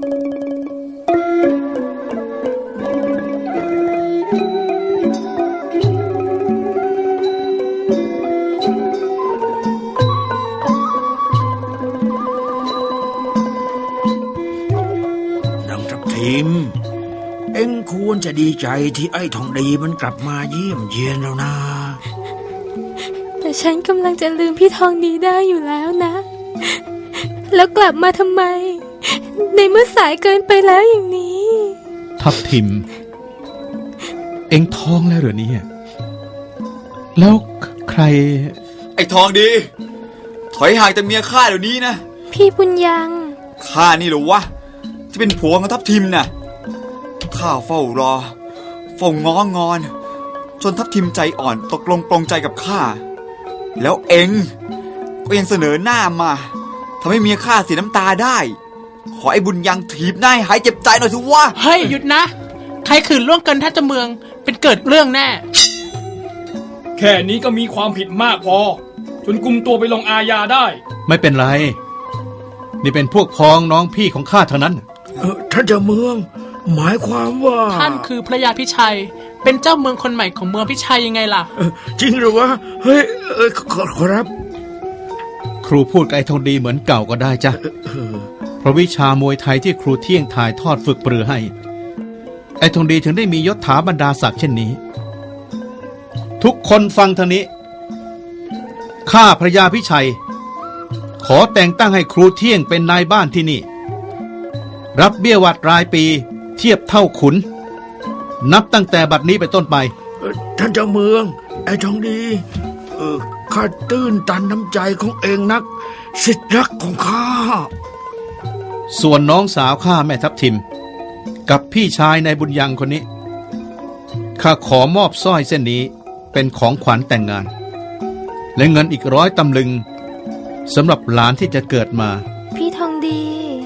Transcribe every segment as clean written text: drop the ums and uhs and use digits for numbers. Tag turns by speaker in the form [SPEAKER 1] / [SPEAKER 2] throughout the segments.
[SPEAKER 1] เอ็งควรจะดีใจที่ไอ้ทองดีมันกลับมาเยี่ยมเยียนแล้วนะ
[SPEAKER 2] แต่ฉันกำลังจะลืมพี่ทองดีได้อยู่แล้วนะแล้วกลับมาทำไมในเมื่อสายเกินไปแล้วอย่างนี้
[SPEAKER 3] ทับทิมเอ็งท้องแล้วเหรอเนี่ยแล้วใคร
[SPEAKER 4] ไอ้ทองดีถอยห่างจากเมียข้าเดี๋ยวนี้นะ
[SPEAKER 2] พี่บุญยัง
[SPEAKER 4] ข้านี่เหรอวะจะเป็นผัวของทับทิมน่ะข้าเฝ้ารอเฝ้าง้องอนจนทับทิมใจอ่อนตกลงปลงใจกับข้าแล้วเอ็งก็ยังเสนอหน้ามาทำให้เมียข้าเสียน้ำตาได้ขอไอ้บุญยังถีบหน้าหายเจ็บใจหน่อยสิวะ
[SPEAKER 5] เฮ้ยหยุดนะใครขืนล่วงเกินท่าเจ้าเมืองเป็นเกิดเรื่องแน่
[SPEAKER 6] แค่นี้ก็มีความผิดมากพอจนกุมตัวไปลงอาญาได้
[SPEAKER 3] ไม่เป็นไรนี่เป็นพวกพ้องน้องพี่ของข้าเท่านั้น
[SPEAKER 1] ท่านเจ้าเมืองหมายความว่า
[SPEAKER 5] ท่านคือพระยาพิชัยเป็นเจ้าเมืองคนใหม่ของเมืองพิชัยยังไงล่ะ
[SPEAKER 1] จริงหรือวะเฮ้ยขอรับ
[SPEAKER 3] ครูพูดกับไอ้ทองดีเหมือนเก่าก็ได้จ้ะเพราะวิชามวยไทยที่ครูเที่ยงถ่ายทอดฝึกปรือให้ไอ้ทองดีถึงได้มียศถาบรรดาศักดิ์เช่นนี้ทุกคนฟังทางนี้ข้าพระยาพิชัยขอแต่งตั้งให้ครูเที่ยงเป็นนายบ้านที่นี่รับเบี้ยวัดรายปีเทียบเท่าขุนนับตั้งแต่บัดนี้เป็นต้นไป
[SPEAKER 1] ท่านเจ้าเมืองไอ้ทองดีข้าตื้นตันน้ำใจของเองนักสิทธิรักของข้า
[SPEAKER 3] ส่วนน้องสาวข้าแม่ทับทิมกับพี่ชายในบุญยังคนนี้ข้าขอมอบสร้อยเส้นนี้เป็นของขวัญแต่งงานและเงินอีก100 ตำลึงสำหรับหลานที่จะเกิดมา
[SPEAKER 2] พี่ทองดี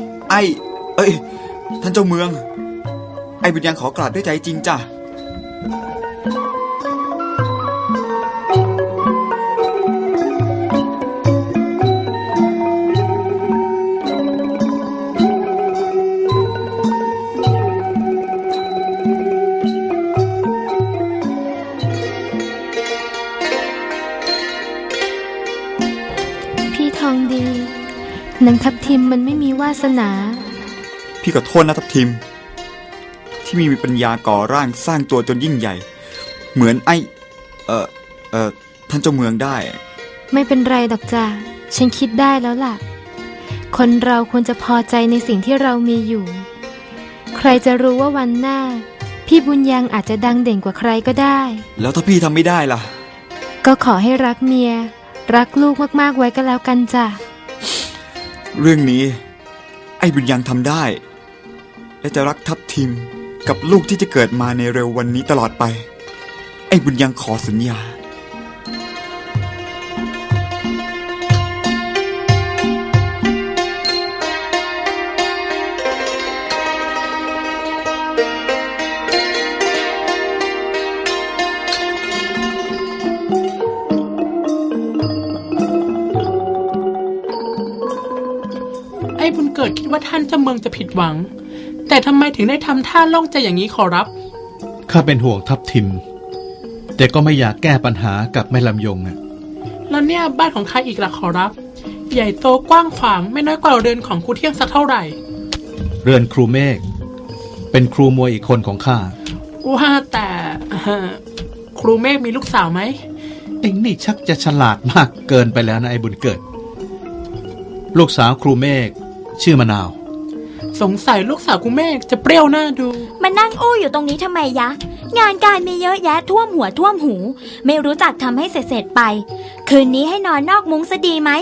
[SPEAKER 4] ท่านเจ้าเมืองไอ้บุญยังขอกราบด้วยใจจริงจ้ะ
[SPEAKER 2] พี่ทองดีนางทับทิมมันไม่มีวาสนา
[SPEAKER 4] พี่ขอโทษนะทับทิมที่มีปัญญาก่อร่างสร้างตัวจนยิ่งใหญ่เหมือนท่านเจ้าเมืองได้
[SPEAKER 2] ไม่เป็นไรดอกจ้าฉันคิดได้แล้วล่ะคนเราควรจะพอใจในสิ่งที่เรามีอยู่ใครจะรู้ว่าวันหน้าพี่บุญยังอาจจะดังเด่นกว่าใครก็ได้
[SPEAKER 4] แล้วถ้าพี่ทำไม่ได้ล่ะ
[SPEAKER 2] ก็ขอให้รักเมียรักลูกมากๆไว้ก็แล้วกันจ้ะ
[SPEAKER 4] เรื่องนี้ไอ้บุญยังทำได้และจะรักทับทิมกับลูกที่จะเกิดมาในเร็ววันนี้ตลอดไปไอ้บุญยังขอสัญญา
[SPEAKER 5] ไอ้บุญเกิดคิดว่าท่านเจ้าเมืองจะผิดหวังแต่ทำไมถึงได้ทำท่าโล่งใจอย่างนี้ขอรับ
[SPEAKER 3] ข้าเป็นห่วงทับทิมแต่ก็ไม่อยากแก้ปัญหากับแม่ลำยงนะ
[SPEAKER 5] แล้วเนี่ยบ้านของใครอีกล่ะขอรับใหญ่โตกว้างขวางไม่น้อยกว่าเรือนของครูเที่ยงสักเท่าไหร่
[SPEAKER 3] เรือนครูเมฆเป็นครูมวยอีกคนของข้า
[SPEAKER 5] ว่าแต่ครูเมฆมีลูกสาวไหม
[SPEAKER 3] เอ็งนี่ชักจะฉลาดมากเกินไปแล้วนะไอ้บุญเกิดลูกสาวครูเมฆชื่อมะนาว
[SPEAKER 5] สงสัยลูกสาวกูเมฆจะเปรี้ยวหน้าดู
[SPEAKER 7] มานั่งอู้อยู่ตรงนี้ทำไมยะงานการมีเยอะแยะท่วมหัวท่วมหูไม่รู้จักทำให้เสร็จไปคืนนี้ให้นอนนอกมุ้งซะดีไหม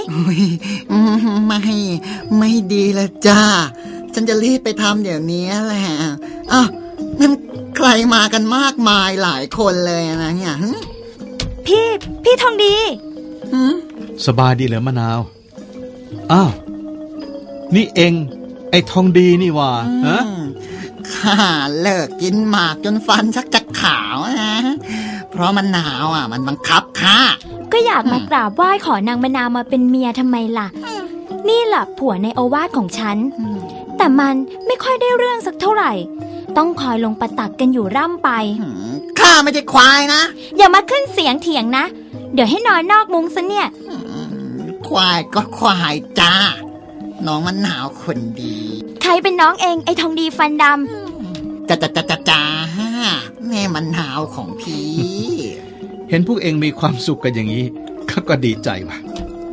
[SPEAKER 8] ไม่ดีละจ้าฉันจะรีบไปทำเดี๋ยวนี้แหละอ้าวนั่นใครมากันมากมายหลายคนเลยนะเนี่ย
[SPEAKER 7] พี่ทองดี
[SPEAKER 3] สบายดีเหรอมะนาวอ้าวนี่เองไอ้ทองดีนี่ว่าฮะ
[SPEAKER 8] ข้าเลิกกินหมากจนฟันชักจะขาวนะเพราะมันหนาวมันบังคับข้า
[SPEAKER 7] ก็อยากมากราบไหว้ขอนางมะนาวมาเป็นเมียทำไมล่ะนี่แหละผัวในโอวาทของฉันแต่มันไม่ค่อยได้เรื่องสักเท่าไหร่ ต้องคอยลงประตักกันอยู่ร่ำไป
[SPEAKER 8] ข้าไม่ใช่ควายนะ
[SPEAKER 7] อย่ามาขึ้นเสียงเถียงนะ เดี๋ยวให้นอนนอกมุ้งซะเนี่ย
[SPEAKER 8] ควายก็ควายจ้า น้องมันหนาวคนดี
[SPEAKER 7] ใครเป็นน้องเองไอ้ทองดีฟันด
[SPEAKER 8] จ้าแม่มันหนาวของพี่
[SPEAKER 3] เห็นพวกเองมีความสุขกันอย่างนี้ก็ดีใจว่ะ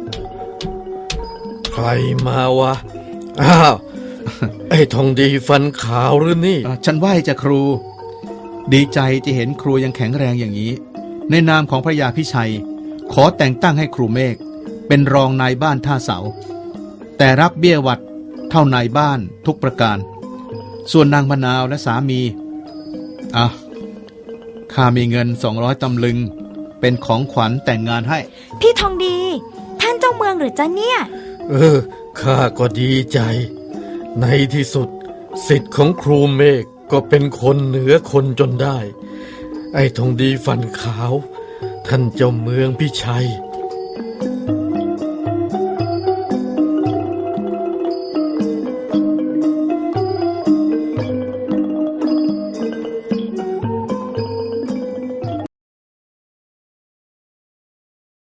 [SPEAKER 9] ใครมาวะ อ้าว ไอ้ทองดีฟันขาวหรือนี่
[SPEAKER 3] ฉันไหว้จะครู ดีใจที่เห็นครูยังแข็งแรงอย่างนี้ ในนามของพระยาพิชัย ขอแต่งตั้งให้ครูเมฆเป็นรองนายบ้านท่าเสา แต่รับเบี้ยหวัดเท่านายบ้านทุกประการ ส่วนนางมะนาวและสามีข้ามีเงิน200 ตำลึงเป็นของขวัญแต่งงานให้
[SPEAKER 7] ำพี่ทองดี ท่านเจ้าเมืองหรือจ๊ะเนี่ย
[SPEAKER 9] ข้าก็ดีใจ ในที่สุดสิทธิ์ของครูเมฆก็เป็นคนเหนือคนจนได้ ไอ้ทองดีฟันขาว ท่านเจ้าเมืองพิชัย